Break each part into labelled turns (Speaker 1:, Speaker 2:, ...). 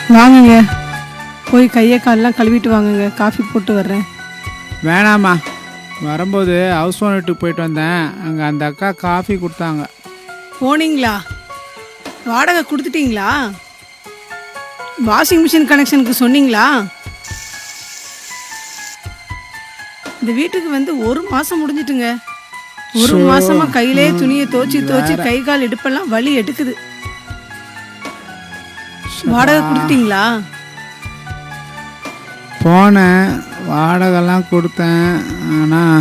Speaker 1: வாங்குங்க, போய் கையை காலெலாம் கழுவிட்டு வாங்குங்க. காஃபி போட்டு வர்றேன்.
Speaker 2: வேணாம்மா, வரும்போது ஹவுஸ் ஓனர் வீட்டுக்கு போயிட்டு வந்தேன். அங்கே அந்த அக்கா காஃபி கொடுத்தாங்க.
Speaker 1: போனீங்களா? வாடகை கொடுத்துட்டீங்களா? வாஷிங் மிஷின் கனெக்ஷனுக்கு சொன்னீங்களா? இந்த வீட்டுக்கு வந்து 1 மாதம் முடிஞ்சிட்டுங்க. 1 மாசமா கையிலே துணியை தோச்சி கை கால் இடுப்பெல்லாம் வலி எடுக்குது. வாடகை கொடுத்துட்டீங்களா?
Speaker 2: போனேன், வாடகைலாம் கொடுத்தேன். ஆனால்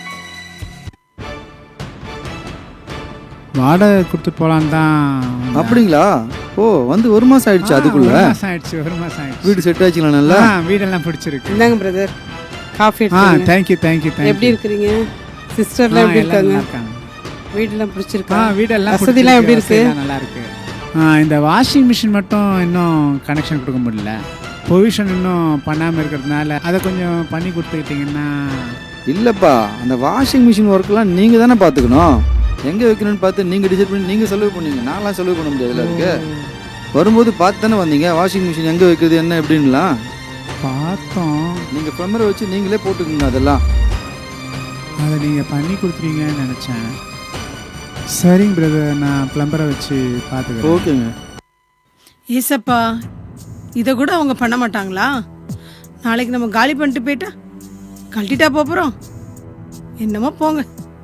Speaker 2: வாடகை கொடுத்துட்டு போகலான் தான்.
Speaker 3: அப்படிங்களா? ஓ, வந்து 1 மாதம் ஆயிடுச்சு. அதுக்குள்ள
Speaker 2: 1 மாதம் ஆயிடுச்சு. 1 மாதம் ஆயிடுச்சு.
Speaker 3: வீடு செட் ஆச்சுங்களா? நல்லா
Speaker 2: வீடெல்லாம் பிடிச்சிருக்கு.
Speaker 1: இந்தாங்க பிரதர், காஃபி.
Speaker 2: தேங்க்யூ.
Speaker 1: எப்படி இருக்கிறீங்க? சிஸ்டர்லாம் எப்படி இருக்காங்க? வீடெல்லாம் பிடிச்சிருக்கா?
Speaker 2: வீடெல்லாம்
Speaker 1: வசதிலாம் எப்படி இருக்கு?
Speaker 2: நல்லா இருக்கு. இந்த வாஷிங் மிஷின் மட்டும் இன்னும் கனெக்ஷன் கொடுக்க முடியல. பொவிஷன் இன்னும் பண்ணாமல் இருக்கிறதுனால அதை கொஞ்சம் பண்ணி கொடுத்துக்கிட்டிங்கன்னா.
Speaker 3: இல்லைப்பா, அந்த வாஷிங் மிஷின் ஒர்க்கெலாம் நீங்கள் தானே பார்த்துக்கணும். எங்கே வைக்கணும்னு பார்த்து நீங்கள் டிசைட் பண்ணி நீங்கள் செலவு பண்ணுவீங்க. நான்லாம் செலவு பண்ண முடியாதுல்ல. இருக்கு வரும்போது பார்த்து தானே வந்தீங்க வாஷிங் மிஷின் எங்கே வைக்கிறது என்ன எப்படின்லாம்
Speaker 2: பார்த்தோம்.
Speaker 3: நீங்கள் ப்ளம்பரை வச்சு நீங்களே போட்டுக்கோங்க. அதெல்லாம்
Speaker 2: அதை நீங்கள் பண்ணி கொடுத்துருவீங்கன்னு நினச்சேன். சரிங்க பிரதர், நான் ப்ளம்பரை வச்சு பார்த்துக்கிறேன்.
Speaker 3: ஓகேங்க.
Speaker 1: ஏசப்பா, இதை கூட அவங்க பண்ண மாட்டாங்களா? நாளைக்கு நம்ம காலி பண்ணிட்டு போயிட்டா கழட்டிட்டா போகிறோம். என்னமோ போங்க,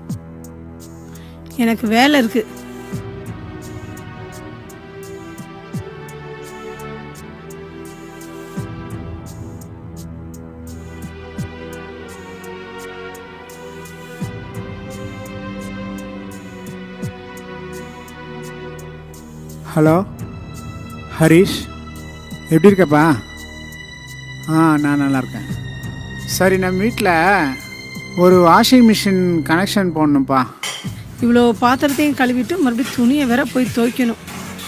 Speaker 1: எனக்கு வேலை இருக்கு.
Speaker 2: ஹலோ ஹரிஷ், எப்படி இருக்கப்பா? நான் நல்லா இருக்கேன். சரி, நம்ம வீட்டில் ஒரு வாஷிங் மிஷின் கனெக்ஷன் போடணும்ப்பா.
Speaker 1: இவ்வளோ பாத்திரத்தையும் கழுவிட்டு மறுபடியும் துணியை வேற போய் துவைக்கணும்.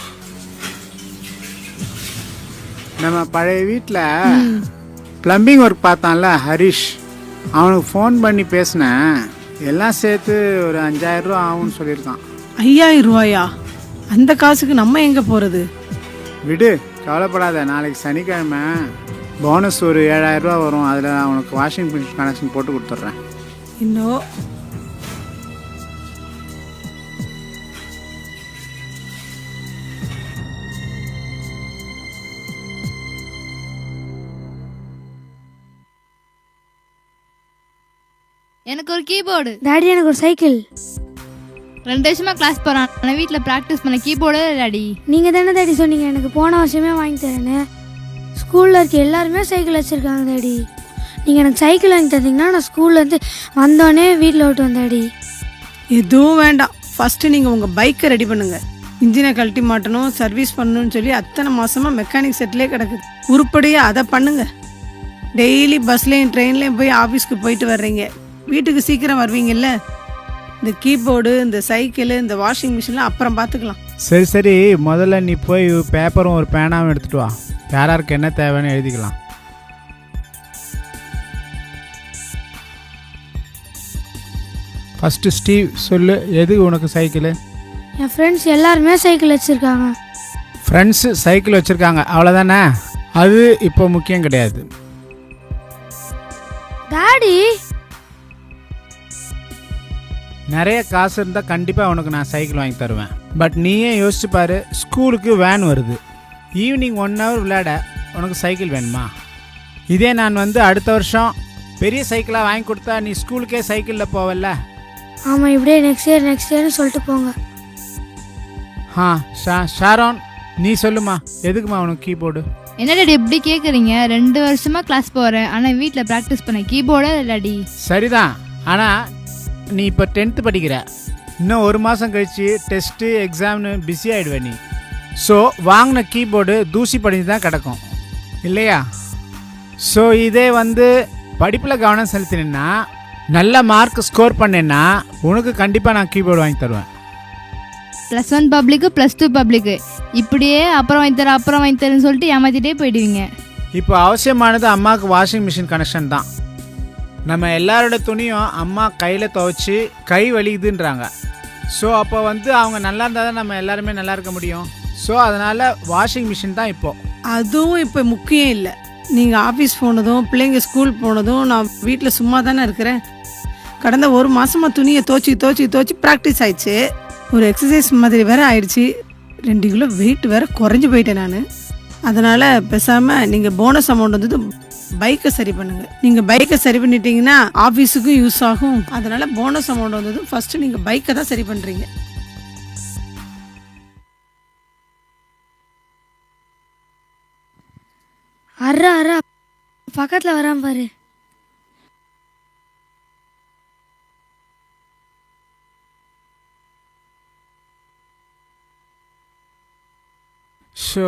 Speaker 2: நம்ம பழைய வீட்டில் ப்ளம்பிங் ஒர்க் பார்த்தான்ல ஹரிஷ், அவனுக்கு ஃபோன் பண்ணி பேசினேன். எல்லாம் சேர்த்து ஒரு 5000 ரூபா ஆகும்னு சொல்லியிருக்கான்.
Speaker 1: 5000 ரூபாயா? அந்த காசுக்கு நம்ம எங்கே போகிறது?
Speaker 2: விடு, கவலைப்படாத. நாளைக்கு சனிக்கிழமை போனஸ் ஒரு 7000 ரூபா வரும். அதில் அவனுக்கு வாஷிங் மிஷின் கனெக்ஷன் போட்டு கொடுத்துட்றேன்.
Speaker 1: இன்னும்
Speaker 4: எனக்கு ஒரு கீபோர்டு.
Speaker 5: டாடி எனக்கு ஒரு சைக்கிள்.
Speaker 4: 2 வருஷமா கிளாஸ் போறான். ஆனால் வீட்டில் ப்ராக்டிஸ் பண்ண கீபோர்டு டாடி.
Speaker 5: நீங்கள் தானே டாடி சொன்னீங்க எனக்கு போன வருஷமே வாங்கி தரேன்னு. ஸ்கூலில் இருக்க எல்லாருமே சைக்கிள் வச்சுருக்காங்க டாடி. நீங்கள் எனக்கு சைக்கிள் வாங்கி தந்தீங்கன்னா நான் ஸ்கூல்லேருந்து வந்தோடனே வீட்டில் விட்டு வந்தேன் டாடி.
Speaker 1: எதுவும் வேண்டாம். ஃபஸ்ட்டு நீங்கள் உங்கள் பைக்கை ரெடி பண்ணுங்கள். இன்ஜினை கழட்டி மாட்டணும், சர்வீஸ் பண்ணணும்னு சொல்லி அத்தனை மாதமாக மெக்கானிக் செட்லேயே கிடக்குது. உருப்படியாக அதை பண்ணுங்க. டெய்லி பஸ்லேயும் ட்ரெயின்லேயும் போய் ஆஃபீஸ்க்கு போயிட்டு வர்றீங்க, வீட்டுக்கு சீக்கிரம் வருவீங்கல்ல. இந்த கீபோர்டு, இந்த சைக்கிள், இந்த வாஷிங் மிஷின்லாம் அப்புறம் பார்த்துக்கலாம்.
Speaker 2: சரி, முதல்ல நீ போய் பேப்பரும் ஒரு பேனாவும் எடுத்துட்டு வா. யாராருக்கு என்ன தேவைன்னு எழுதிக்கலாம். ஃபஸ்ட்டு ஸ்டீவ் சொல்லு, எது உனக்கு சைக்கிள்?
Speaker 5: என் ஃப்ரெண்ட்ஸ் எல்லாருமே சைக்கிள் வச்சுருக்காங்க.
Speaker 2: ஃப்ரெண்ட்ஸு சைக்கிள் வச்சுருக்காங்க, அவ்வளோதானே? அது இப்போ முக்கியம் கிடையாது.
Speaker 5: டாடி,
Speaker 2: நிறைய காசு இருந்தால் கண்டிப்பாக உனக்கு நான் சைக்கிள் வாங்கி தருவேன். பட் நீயே யோசிச்சு பாரு, ஸ்கூலுக்கு வேன் வருது, ஈவினிங் 1 hour விளையாட உனக்கு சைக்கிள் வேணுமா? இதே நான் வந்து அடுத்த வருஷம் பெரிய சைக்கிளாக வாங்கி கொடுத்தா நீ ஸ்கூலுக்கே சைக்கிளில் போவல்ல?
Speaker 5: ஆமாம், இப்படியே நெக்ஸ்ட் இயர்னு சொல்லிட்டு போங்க.
Speaker 2: ஷாரோன், நீ சொல்லுமா, எதுக்குமா உனக்கு கீபோர்டு?
Speaker 4: என்ன டாடி எப்படி கேட்குறீங்க? 2 வருஷமா கிளாஸ் போகிறேன், ஆனால் வீட்டில் ப்ராக்டிஸ் பண்ண கீபோர்டு டாடி.
Speaker 2: சரிதான், ஆனால் நீ இப்போ 10th படிக்கிற. இன்னும் 1 மாதம் கழித்து டெஸ்ட்டு எக்ஸாம்னு பிஸி ஆகிடுவே நீ. ஸோ வாங்கின கீபோர்டு தூசி படிஞ்சு தான் கிடக்கும் இல்லையா? ஸோ இதே வந்து படிப்பில் கவனம் செலுத்தினா, நல்ல மார்க் ஸ்கோர் பண்ணேன்னா உனக்கு கண்டிப்பாக நான் கீபோர்டு வாங்கி தருவேன்.
Speaker 4: +1 பப்ளிக்கு +2 பப்ளிக்கு இப்படியே அப்புறம் வாங்கி தரேன்னு சொல்லிட்டு ஏமாற்றிட்டே போயிடுவீங்க.
Speaker 2: இப்போ அவசியமானது அம்மாவுக்கு வாஷிங் மிஷின் கனெக்ஷன் தான். நம்ம எல்லாரோட துணியும் அம்மா கையில் துவைச்சி கை வலிக்குதுன்றாங்க. ஸோ அப்போ வந்து அவங்க நல்லா இருந்தால் தான் நம்ம எல்லாருமே நல்லா இருக்க முடியும். ஸோ அதனால் வாஷிங் மிஷின் தான் இப்போது.
Speaker 1: அதுவும் இப்போ முக்கியம் இல்லை. நீங்கள் ஆஃபீஸ் போனதும் பிள்ளைங்க ஸ்கூல் போனதும் நான் வீட்டில் சும்மா தானே இருக்கிறேன். கடந்த ஒரு மாதமாக துணியை தோச்சி ப்ராக்டிஸ் ஆயிடுச்சு. ஒரு எக்ஸசைஸ் மாதிரி வேற ஆயிடுச்சு. 2 கிலோ வெயிட் வேற குறைஞ்சி போயிட்டேன் நான். அதனால் பேசாமல் நீங்கள் போனஸ் அமௌண்ட் வந்து பைக்கை சரி பண்ணுங்கள். நீங்கள் பைக்கை சரி பண்ணிட்டீங்கன்னா ஆஃபீஸுக்கும் யூஸ் ஆகும். அதனால் போனஸ் அமௌண்ட் வந்தது ஃபஸ்ட்டு நீங்கள் பைக்கை தான் சரி பண்ணுறீங்க.
Speaker 5: அறா பக்கத்தில் வரான் பாரு.
Speaker 2: ஷோ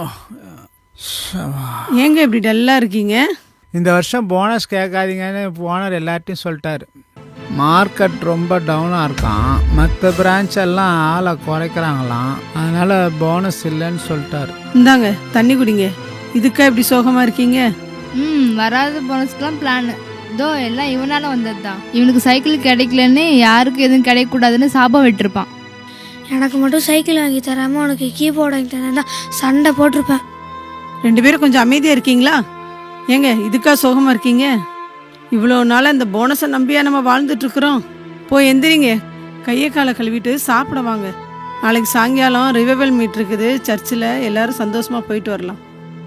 Speaker 1: ஏங்க இப்படி டல்லாக இருக்கீங்க?
Speaker 2: இந்த வருஷம் போனஸ் கேட்காதீங்கன்னு ஓனர் எல்லார்ட்டையும் சொல்லிட்டாரு. மார்க்கெட் ரொம்ப டவுனாக இருக்கான். மற்ற பிரான்ச் எல்லாம் ஆளை குறைக்கிறாங்களாம். அதனால் போனஸ் இல்லைன்னு சொல்லிட்டாரு.
Speaker 1: இந்தாங்க தண்ணி குடிங்க. இதுக்கா இப்படி சோகமாக இருக்கீங்க?
Speaker 4: வராத போனஸ்க்கெலாம் பிளான். இதோ எல்லாம் இவனால வந்தது தான். இவனுக்கு சைக்கிள் கிடைக்கலன்னு யாருக்கும் எதுவும் கிடைக்கக்கூடாதுன்னு சாபம் விட்டுருப்பான்.
Speaker 5: எனக்கு மட்டும் சைக்கிள் வாங்கி தராமல் உனக்கு கீபோர்டு வாங்கி தரேன் தான் சண்டை போட்டிருப்பேன்.
Speaker 1: 2 பேரும் கொஞ்சம் அமைதியாக இருக்கீங்களா? ஏங்க இதுக்கா சோகமாக இருக்கீங்க? இவ்வளோ நாளாக இந்த போனஸை நம்பியா நம்ம வாழ்ந்துட்டுருக்குறோம். போய் எந்திரிங்க, கையை காலை கழுவிட்டு சாப்பிட வாங்க. நாளைக்கு சாயங்காலம் ரிவைவல் மீட் இருக்குது சர்ச்சில். எல்லாரும் சந்தோஷமாக போயிட்டு வரலாம்.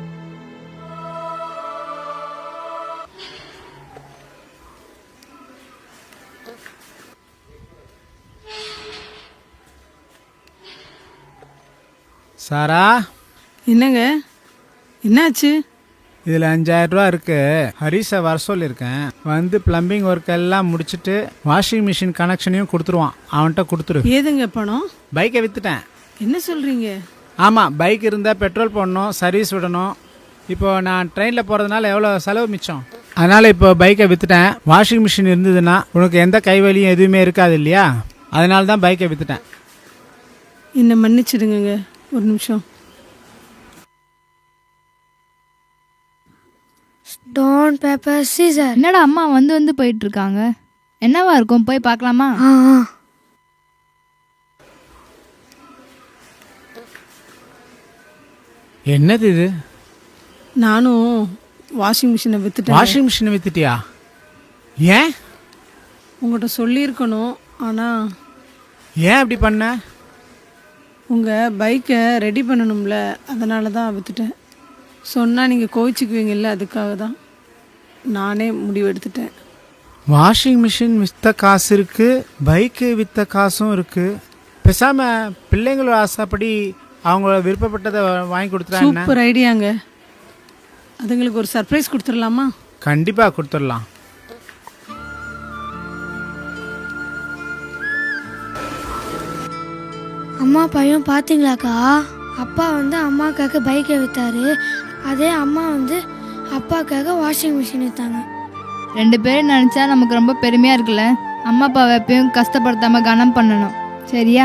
Speaker 2: சாரா,
Speaker 1: என்னங்க என்னாச்சு?
Speaker 2: இதில் 5000 ரூபா இருக்குது. ஹரிஷை வர சொல்லியிருக்கேன். வந்து ப்ளம்பிங் ஒர்க் எல்லாம் முடிச்சுட்டு வாஷிங் மிஷின் கனெக்ஷனையும் கொடுத்துருவான். அவன்கிட்ட கொடுத்துரு.
Speaker 1: ஏதுங்க பணம்?
Speaker 2: பைக்கை விற்றுட்டேன்.
Speaker 1: என்ன சொல்கிறீங்க?
Speaker 2: ஆமாம், பைக் இருந்தால் பெட்ரோல் போடணும், சர்வீஸ் விடணும். இப்போது நான் ட்ரெயினில் போகிறதுனால எவ்வளோ செலவு மிச்சம். அதனால் இப்போ பைக்கை விற்றுட்டேன். வாஷிங் மிஷின் இருந்ததுன்னா உனக்கு எந்த கைவலியும் எதுவுமே இருக்காது இல்லையா? அதனால தான் பைக்கை விற்றுட்டேன்.
Speaker 1: என்னை மன்னிச்சிடுங்க. ஒரு நிமிஷம்.
Speaker 5: Stone paper scissor.
Speaker 4: என்னடா அம்மா வந்து போயிட்டு இருக்காங்க? என்னவா இருக்கும், போய் பார்க்கலாமா?
Speaker 2: என்னது இது?
Speaker 1: நானும் வாஷிங் மிஷினை விற்றுட்டேன்.
Speaker 2: வாஷிங் மிஷினை விற்றுட்டியா? ஏன்?
Speaker 1: உங்கள்கிட்ட சொல்லியிருக்கணும். ஆனால்
Speaker 2: ஏன் அப்படி பண்ண?
Speaker 1: உங்கள் பைக்கை ரெடி பண்ணணும்ல, அதனால தான் விற்றுட்டேன். சொன்னால் நீங்கள் கோவிச்சுக்குவீங்கல்ல, அதுக்காக தான் நானே முடிவு எடுத்துட்டேன்.
Speaker 2: வாஷிங் மிஷின் விற்ற காசு இருக்குது, பைக்கு விற்ற காசும் இருக்குது. பேசாமல் பிள்ளைங்களோட ஆசைப்படி அவங்கள விருப்பப்பட்டதை வாங்கி கொடுத்துட்டா என்ன?
Speaker 1: சூப்பர் ஐடியாங்க. அதுங்களுக்கு ஒரு சர்ப்ரைஸ் கொடுத்துடலாமா?
Speaker 2: கண்டிப்பாக கொடுத்துடலாம்.
Speaker 5: அம்மா பையன் பார்த்தீங்களாக்கா? அப்பா வந்து அம்மாக்காக பைக்கை விற்றாரு. அதே அம்மா வந்து அப்பாக்காக வாஷிங் மிஷின் விற்றாங்க.
Speaker 4: 2 பேரும் நினச்சா நமக்கு ரொம்ப பெருமையாக இருக்குல்ல. அம்மா அப்பாவை எப்பயும் கஷ்டப்படுத்தாமல் கனம் பண்ணணும், சரியா?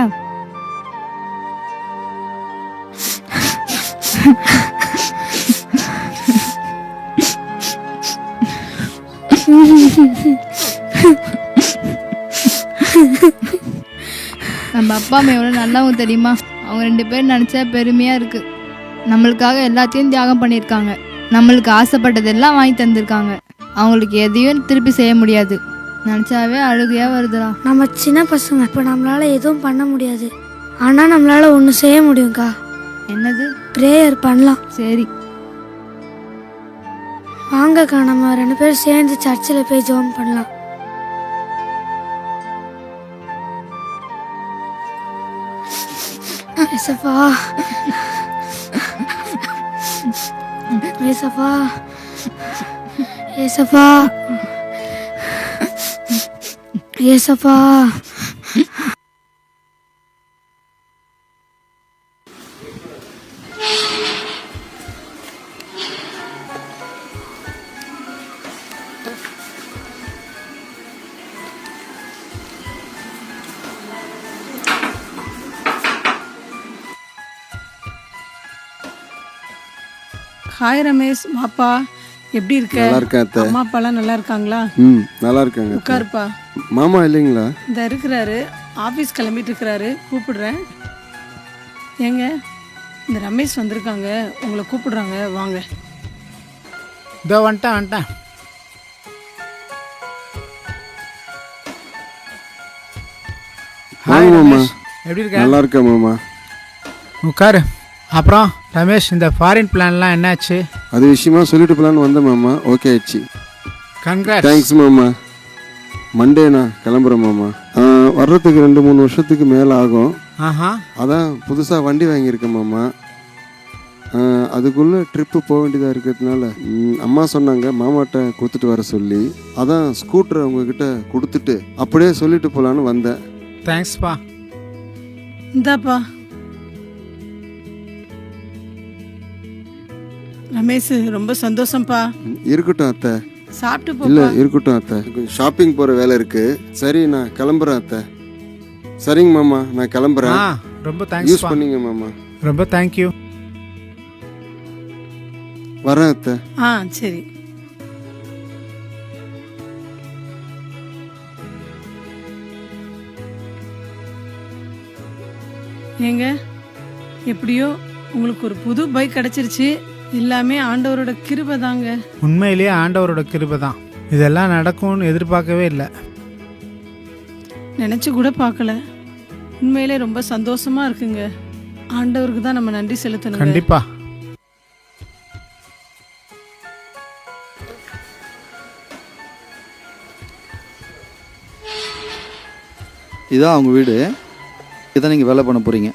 Speaker 4: நம்ம அப்பா அம்மா எவ்வளோ நல்லவங்க தெரியுமா? அவங்க 2 பேரும் நினச்சா பெருமையாக இருக்குது. நம்மளுக்காக எல்லாத்தையும் தியாகம் பண்ணியிருக்காங்க. நம்மளுக்கு ஆசைப்பட்டதெல்லாம் வாங்கி தந்திருக்காங்க. அவங்களுக்கு எதையும் திருப்பி செய்ய முடியாது. நினச்சாவே அழுகையாக வருதுடா.
Speaker 5: நம்ம சின்ன பசங்க, இப்போ நம்மளால் எதுவும் பண்ண முடியாது. ஆனால் நம்மளால் ஒன்று செய்ய முடியும்க்கா.
Speaker 4: என்னது?
Speaker 5: ப்ரேயர் பண்ணலாம்.
Speaker 4: சரி
Speaker 5: வாங்கக்கா, நம்ம 2 பேரும் சேர்ந்து சர்ச்சில் போய் ஜெபம் பண்ணலாம். ஏசப்பா, ஏசப்பா, ஏசப்பா, ஏசப்பா.
Speaker 1: ஹாய் ரமேஷ், வாப்பா. எப்படி இருக்க?
Speaker 6: நல்லா இருக்கேன் அத்தை.
Speaker 1: அம்மா அப்பாலாம் நல்லா இருக்காங்களா?
Speaker 6: நல்லா இருக்காங்க அத்தை.
Speaker 1: உட்காருப்பா.
Speaker 6: மாமா இல்லைங்களா?
Speaker 1: இந்த இருக்கிறாரு, ஆஃபீஸ் கிளம்பிட்டு இருக்கிறாரு. கூப்பிடுறேன். ஏங்க இந்த ரமேஷ் வந்திருக்காங்க, உங்களை கூப்பிடுறாங்க, வாங்க.
Speaker 2: இதோ வந்துட்டேன்.
Speaker 6: வாங்க மாமா.
Speaker 2: ரமேஷ், எப்படி இருக்க?
Speaker 6: நல்லா இருக்கேன் மாமா.
Speaker 2: உட்காரு. அப்புறம் ரமேஷ், இந்த ஃபாரின் பிளான்லாம் என்னாச்சு?
Speaker 6: அது விஷயமா சொல்லிட்டு போலான்னு வந்தேன் மாமா. ஓகே ஆயிடுச்சு.
Speaker 2: கங்க்ராட்ஸ்.
Speaker 6: தேங்க்ஸ் மாமா. மண்டே நான் கிளம்புறேன் மாமா. வர்றதுக்கு 2-3 வருஷத்துக்கு மேலே ஆகும்.
Speaker 2: ஆஹா.
Speaker 6: அதான் புதுசாக வண்டி வாங்கியிருக்கேன் மாமா. அதுக்குள்ளே ட்ரிப்பு போக வேண்டியதாக இருக்கிறதுனால அம்மா சொன்னாங்க மாமாட்ட கொடுத்துட்டு வர சொல்லி. அதான் ஸ்கூட்டரை உங்ககிட்ட கொடுத்துட்டு அப்படியே சொல்லிட்டு போகலான்னு வந்தேன்.
Speaker 2: தேங்க்ஸ்ப்பா.
Speaker 1: இந்தாப்பா. ரமேஷ், ரொம்ப சந்தோஷம்ப்பா.
Speaker 6: இருக்கட்டும் அத்தை.
Speaker 1: சாப்பிட்டு
Speaker 6: இல்லை
Speaker 1: போப்பா.
Speaker 6: இருக்கட்டும் அத்தை. கொஞ்சம் ஷாப்பிங் போகிற வேலை இருக்குது. சரி நான் கிளம்புறேன் அத்தை. சரிங்க மாமா, நான் கிளம்புறேன்.
Speaker 2: ரொம்ப
Speaker 6: யூஸ்
Speaker 2: தேங்க்ஸ்ப்பா.
Speaker 6: பண்ணிங்க மாமா.
Speaker 2: ரொம்ப தேங்க்யூ.
Speaker 6: வரேன் அத்தை.
Speaker 1: சரி. ஏங்க, எப்படியோ உங்களுக்கு ஒரு புது பைக் கிடைச்சிருச்சு. எல்லாமே ஆண்டவரோட கிருபை தாங்க.
Speaker 2: உண்மையிலேயே ஆண்டவரோட கிருபை தான். இதெல்லாம் நடக்கும்னு எதிர்பார்க்கவே இல்லை.
Speaker 1: நினைச்சு கூட பார்க்கல. உண்மையிலே ரொம்ப சந்தோஷமா இருக்குங்க. ஆண்டவருக்கு தான் நம்ம நன்றி செலுத்தணும்.
Speaker 2: கண்டிப்பா.
Speaker 3: இதான் அவங்க வீடு. இதான் நீங்கள் வேலை பண்ண போகிறீங்க.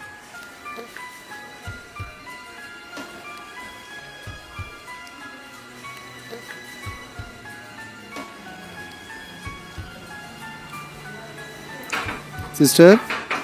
Speaker 3: சிஸ்டர்,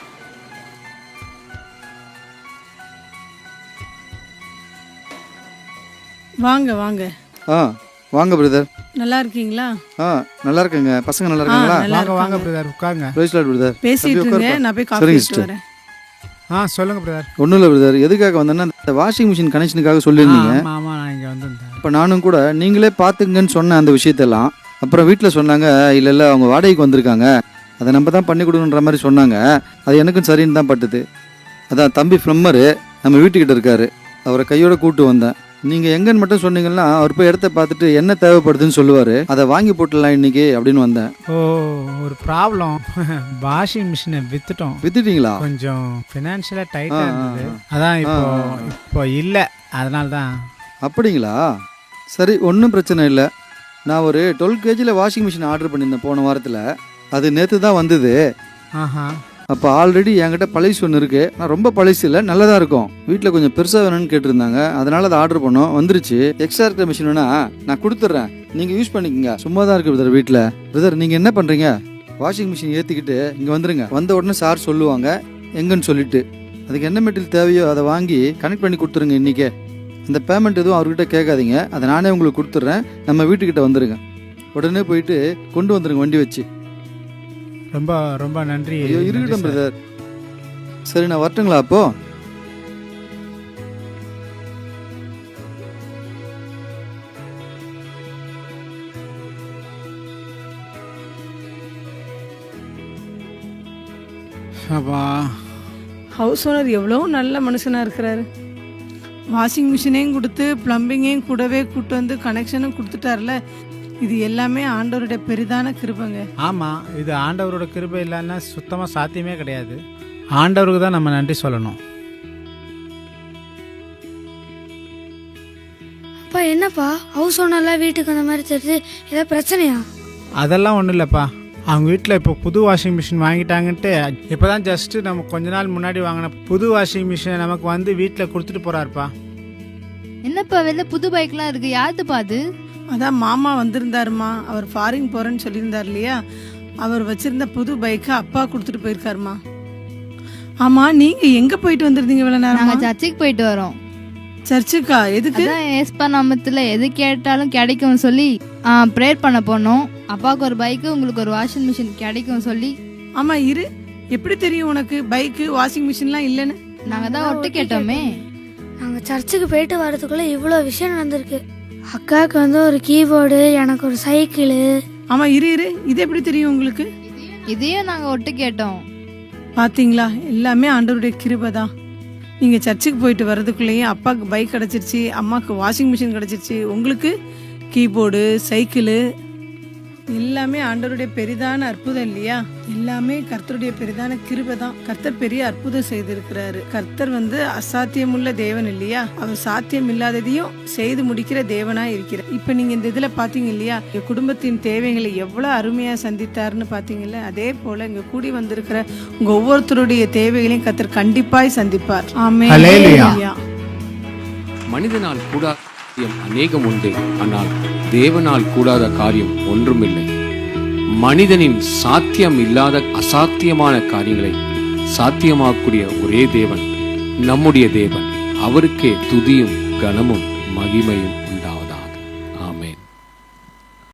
Speaker 1: வாங்க வாங்க.
Speaker 3: வாங்க பிரதர்.
Speaker 1: நல்லா இருக்கீங்களா?
Speaker 3: நல்லா இருக்குங்க. பசங்க நல்லா இருக்காங்களா?
Speaker 1: நல்லா
Speaker 2: வாங்க வாங்க
Speaker 1: இருக்காங்க.
Speaker 2: பிரதர், உட்காருங்க.
Speaker 3: Praise lord brother.
Speaker 1: பேசிட்டு இருங்க, நான் போய் காஃபி
Speaker 3: சரிங்க
Speaker 1: எடுத்துட்டு
Speaker 3: sister.
Speaker 1: வரேன்.
Speaker 2: சொல்லுங்க பிரதர்.
Speaker 3: ஒன்றும் இல்லை பிரதர், எதுக்காக வந்தேன்னா இந்த வாஷிங் மிஷின் கனெக்ஷனுக்காக சொல்லியிருந்தீங்க.
Speaker 2: ஆமா, நான் இங்கே வந்திருந்தேன்.
Speaker 3: இப்போ நானும் கூட நீங்களே பார்த்துங்கன்னு சொன்னேன் அந்த விஷயத்தெல்லாம். அப்புறம் வீட்டில் சொன்னாங்க, இல்லை அவங்க வாடகைக்கு வந்திருக்காங்க, அதை நம்ம தான் பண்ணி கொடுக்குன்ற மாதிரி சொன்னாங்க. அது எனக்கும் சரின்னு தான் பட்டுது. அதான் தம்பி ஃப்ளம்மரு நம்ம வீட்டுக்கிட்ட இருக்காரு, அவரை கையோட கூப்பிட்டு வந்தேன். நீங்கள் எங்கன்னு மட்டும் சொன்னீங்கன்னா அவர் போய் இடத்த பார்த்துட்டு என்ன தேவைப்படுதுன்னு சொல்லுவார், அதை வாங்கி போட்டுடலாம் இன்னைக்கு அப்படின்னு வந்தேன்.
Speaker 2: ஒரு ப்ராப்ளம். வாஷிங் மிஷினை வித்துட்டோம்.
Speaker 3: வித்துட்டீங்களா?
Speaker 2: கொஞ்சம் ஃபினான்ஷியலாக டைட்டாக இருந்தது. அதான் இப்போ இல்லை, அதனால தான்.
Speaker 3: அப்படிங்களா? சரி, ஒன்றும் பிரச்சனை இல்லை. நான் ஒரு 12 kg வாஷிங் மிஷின் ஆர்டர் பண்ணியிருந்தேன் போன வாரத்தில். அது நேற்று தான் வந்தது. அப்போ ஆல்ரெடி என்கிட்ட பழசு ஒன்று இருக்குது. நான் ரொம்ப பழசு இல்லை, நல்லதாக இருக்கும். வீட்டில் கொஞ்சம் பெருசாக வேணும்னு கேட்டிருந்தாங்க, அதனால அதை ஆர்டர் பண்ணோம். வந்துருச்சு. எக்ஸ்ட்ரா இருக்கிற மிஷின் வேணா நான் கொடுத்துட்றேன், நீங்கள் யூஸ் பண்ணிக்கோங்க. சும்மா தான் இருக்குது பிரதர் வீட்டில். பிரதர் நீங்கள் என்ன பண்ணுறீங்க, வாஷிங் மிஷின் ஏற்றிக்கிட்டு இங்கே வந்துருங்க. வந்த உடனே சார் சொல்லுவாங்க எங்கன்னு சொல்லிட்டு. அதுக்கு என்ன மெட்டீரியல் தேவையோ அதை வாங்கி கனெக்ட் பண்ணி கொடுத்துருங்க இன்றைக்கே. இந்த பேமெண்ட் எதுவும் அவர்கிட்ட கேட்காதீங்க, அதை நானே உங்களுக்கு கொடுத்துட்றேன். நம்ம வீட்டுக்கிட்ட வந்துடுங்க. உடனே போயிட்டு கொண்டு வந்துடுங்க வண்டி வச்சு.
Speaker 2: ரொம்ப ரொம்ப நன்றி.
Speaker 3: ஐயோ இருக்கட்டும் பிரதர். சரி நான் வரட்டுங்களா அப்போ?
Speaker 1: ஹவுஸ் ஓனர் எவ்வளோ நல்ல மனுஷனாக இருக்கிறாரு. வாஷிங் மிஷினையும் கொடுத்து ப்ளம்பிங்கையும் கூடவே கூட்டு வந்து கனெக்ஷனும் கொடுத்துட்டார்ல. இது எல்லாமே ஆண்டவருடைய பெரிதான கிருபைங்க.
Speaker 2: ஆமாம், இது ஆண்டவரோட கிருபை இல்லைன்னா சுத்தமாக சாத்தியமே கிடையாது. ஆண்டவருக்கு தான் நம்ம நன்றி சொல்லணும்.
Speaker 5: அப்பா என்னப்பா ஹவுஸ் ஓனர்லாம் வீட்டுக்கு அந்த மாதிரி தெரியுது, ஏதாவது பிரச்சனையா?
Speaker 2: அதெல்லாம் ஒன்றும் இல்லைப்பா. அவங்க வீட்டில் இப்போ புது வாஷிங் மிஷின் வாங்கிட்டாங்கன்ட்டு இப்போ தான் ஜஸ்ட்டு நம்ம கொஞ்ச நாள் முன்னாடி வாங்கின புது வாஷிங் மிஷினை நமக்கு வந்து வீட்டில் கொடுத்துட்டு போகிறாருப்பா.
Speaker 4: என்னப்பா வெளில புது பைக்லாம் இருக்கு, யாருதுப்பா அது?
Speaker 1: அதான் மாமா வந்திருந்தாருமா, அவர் ஃபாரின் போகிறேன்னு சொல்லியிருந்தார் இல்லையா, அவர் வச்சிருந்த புது பைக்கை அப்பா கொடுத்துட்டு போயிருக்காருமா. ஆமாம், நீங்கள் எங்கே போயிட்டு வந்திருந்தீங்க இவ்வளோ நேரம்?
Speaker 4: நாங்கள் சர்ச்சுக்கு போயிட்டு வரோம்.
Speaker 1: சர்ச்சுக்கா? எதுக்கு?
Speaker 4: அதான் ஏஸ்பா நாமத்தில் எது கேட்டாலும் கிடைக்கும் சொல்லி ப்ரேயர் பண்ண போனோம். அப்பாவுக்கு ஒரு பைக்கு, உங்களுக்கு ஒரு வாஷிங் மிஷின் கிடைக்கும் சொல்லி.
Speaker 1: ஆமாம் இரு, எப்படி தெரியும் உனக்கு பைக்கு வாஷிங் மிஷின்லாம் இல்லைன்னு?
Speaker 4: நாங்கள் தான் ஒட்டு கேட்டோமே.
Speaker 5: நாங்கள் சர்ச்சுக்கு போயிட்டு வரதுக்குள்ளே இவ்வளோ விஷயம் நடந்திருக்கு. அக்காவுக்கு வந்து ஒரு கீபோர்டு, எனக்கு ஒரு சைக்கிளு.
Speaker 1: ஆமாம் இரு இரு, இது எப்படி தெரியும் உங்களுக்கு?
Speaker 4: இதையும் நாங்கள் ஒட்டு கேட்டோம்.
Speaker 1: பார்த்தீங்களா, எல்லாமே ஆண்டவருடைய கிருபை தான். நீங்கள் சர்ச்சுக்கு போயிட்டு வர்றதுக்குள்ளேயும் அப்பாவுக்கு பைக் கிடச்சிருச்சு, அம்மாவுக்கு வாஷிங் மிஷின் கிடச்சிருச்சு, உங்களுக்கு கீபோர்டு, சைக்கிளு, எல்லாமே ஆண்டவருடைய பெரிதான அற்புதம் இல்லையா? எல்லாமே கர்த்தருடைய பெரிதான கிருபை தான். கர்த்தர் பெரிய அற்புதம் செய்திருக்கிறாரு. கர்த்தர் அசாத்தியமுள்ள தேவன் இல்லையா? அவர் சாத்தியம் இல்லாததையும் செய்து முடிக்கிற தேவனா இருக்கிறார். இப்ப நீங்க இந்த இதுல பாத்தீங்க இல்லையா, எங்க குடும்பத்தின் தேவைகளை எவ்வளவு அருமையா சந்தித்தாருன்னு பாத்தீங்கல்ல. அதே போல இங்க கூடி வந்திருக்கிற உங்க ஒவ்வொருத்தருடைய தேவைகளையும் கர்த்தர் கண்டிப்பாய் சந்திப்பார். ஆமென்.
Speaker 2: ஹல்லேலூயா.
Speaker 7: மனிதனால் கூடாத காரியம் அநேகம் உண்டு, ஆனால் தேவனால் கூடாத காரியம் ஒன்றுமில்லை. மனிதனின் சாத்தியம் இல்லாத அசாத்தியமான காரியங்களை சாத்தியமாக்கக்கூடிய ஒரே தேவன் நம்முடைய தேவன். அவருக்கே துதியும் கனமும் மகிமையும் உண்டாகும்.